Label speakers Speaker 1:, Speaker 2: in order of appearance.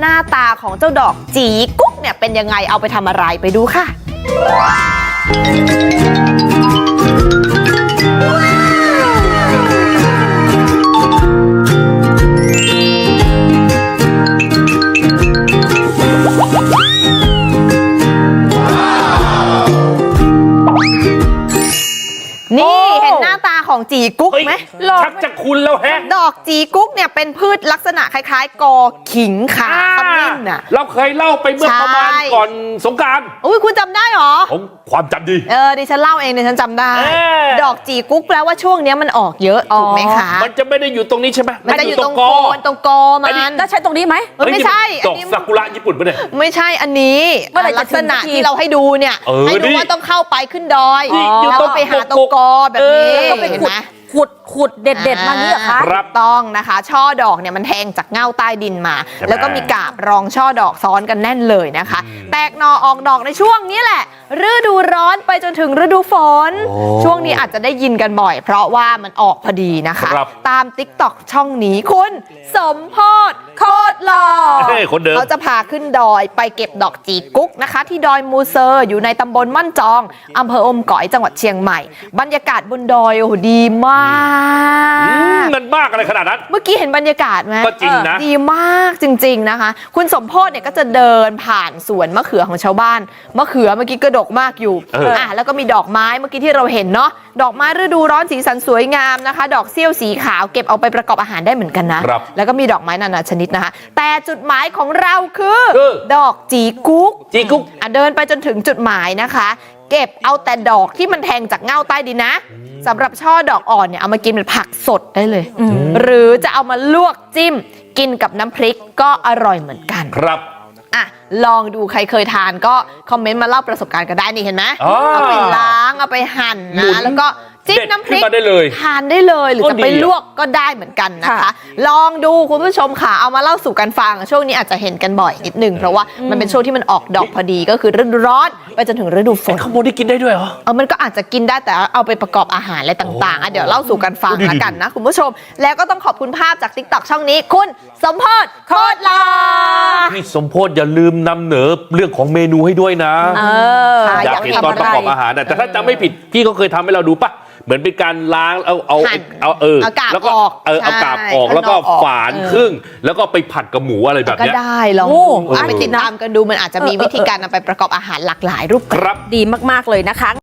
Speaker 1: หน้าตาของเจ้าดอกจีกุ๊กเนี่ยเป็นยังไงเอาไปทำอะไรไปดูค่ะนี่เห็นหน้าตาของจีกุ๊กไหม
Speaker 2: ชักจะคุ้นแล้วแฮะ
Speaker 1: ดอกจีกุ๊กเนี่ยเป็นพืชลักษณะคล้ายๆกอขิงขาขมิ้นน่ะ
Speaker 2: เราเคยเล่าไปเมื่อประมาณก่อนสงกรานต์
Speaker 1: อุ้ยคุณจำได้หรอ
Speaker 2: ผมความจำดี
Speaker 1: ดิฉันเล่าเองดิฉันจำได้ดอกจีกุ๊กแปลว่าช่วงนี้มันออกเยอะถูกไหมคะ
Speaker 2: มันจะไม่ได้อยู่ตรงนี้ใช่ไหม
Speaker 1: มันจะอยู่ตรงโคนตรงกอมัน
Speaker 3: แล้วใช้ตรงนี้ไหม
Speaker 1: ไม่ใช่
Speaker 2: ดอกซากุระญี่ปุ่นปะเนี่ย
Speaker 1: ไม่ใช่อันนี้ลักษณะที่เราให้ดูเนี่ยให้ดูว่าต้องเข้าไปขึ้นดอยแล้วก็ไปหาตรงกอแบบนี้เห็นไหม
Speaker 3: ขุดเด็ดมาเนี่ยค่ะ
Speaker 1: ต้องนะคะช่อดอกเนี่ยมันแทงจากเง่าใต้ดินมาแล้วก็มีกาบรองช่อดอกซ้อนกันแน่นเลยนะคะแตกหน่อออกดอกในช่วงนี้แหละฤดูร้อนไปจนถึงฤดูฝนช่วงนี้อาจจะได้ยินกันบ่อยเพราะว่ามันออกพอดีนะคะตาม TikTok ช่องนี้คุณสมโพธิ์โคตรหล่อเขาจะพาขึ้นดอยไปเก็บดอกจีกุ๊กนะคะที่ดอยมูเซอร์อยู่ในตำบลม่อนจองอำเภออมก๋อยจังหวัดเชียงใหม่บรรยากาศบนดอยโอ้โหดีมาก
Speaker 2: มันมากอะไรขนาดนั้น
Speaker 1: เมื่อกี้เห็นบรรยากาศไหม
Speaker 2: ก็จริงนะ
Speaker 1: ดีมากจริงๆนะคะคุณสมโพธิ์เนี่ยก็จะเดินผ่านสวนมะเขือของชาวบ้านมะเขือเมื่อกี้กระดกมากอยู่แล้วก็มีดอกไม้เมื่อกี้ที่เราเห็นเนาะดอกไม้ฤดูร้อนสีสันสวยงามนะคะดอกเสี้ยวสีขาวเก็บเอาไปประกอบอาหารได้เหมือนกันนะแล้วก็มีดอกไม้นานาชนิดนะคะแต่จุดหมายของเราคือดอกจีกุ๊กเดินไปจนถึงจุดหมายนะคะเก็บเอาแต่ดอกที่มันแทงจากเง่าใต้ดินนะสำหรับช่อดอกอ่อนเนี่ยเอามากินเป็นผักสดได้เลยหรือจะเอามาลวกจิ้มกินกับน้ำพริกก็อร่อยเหมือนกัน
Speaker 2: ครับ
Speaker 1: ลองดูใครเคยทานก็คอมเมนต์มาเล่าประสบการณ์กันได้นี่เห็นไหมเอาไปล้างเอาไปหั่นนะแล้วก็จิ้มน้ำพริกทานได้เลยหรือจะไปลวกก็ได้เหมือนกันนะคะลองดูคุณผู้ชมค่ะเอามาเล่าสู่กันฟังช่วงนี้อาจจะเห็นกันบ่อยนิดนึงเพราะว่ามันเป็นช่วงที่มันออกดอกพอดีก็คือฤดูร้อนไปจนถึงฤดูฝน
Speaker 2: ขโมยได้กินได้ด้วยเหรอ
Speaker 1: มันก็อาจจะกินได้แต่เอาไปประกอบอาหารอะไรต่างๆเดี๋ยวเล่าสู่กันฟังละกันนะคุณผู้ชมแล้วก็ต้องขอบคุณภาพจาก TikTok ช่องนี้คุณสมโพธิ์โคตรหล่อ
Speaker 2: พี่สมโพธิ์อย่าลืมนำเหนอเรื่องของเมนูให้ด้วยนะอยากเห็นตอนประกอบอาหารแต่ถ้าจำไม่ผิดพี่ก็เคยทำให้เราดูปะเหมือนเป็นการล้างเอา
Speaker 1: แล้วก็
Speaker 2: เอากาบออกแล้วก็ฝานครึ่งแล้วก็ไปผัดกับหมูอะไรแบบนี้
Speaker 1: ก็ได้ลองไปติดตามกันดูมันอาจจะมีวิธีการนำไปประกอบอาหารหลากหลายรูปแบบ
Speaker 3: ดีมากๆเลยนะคะ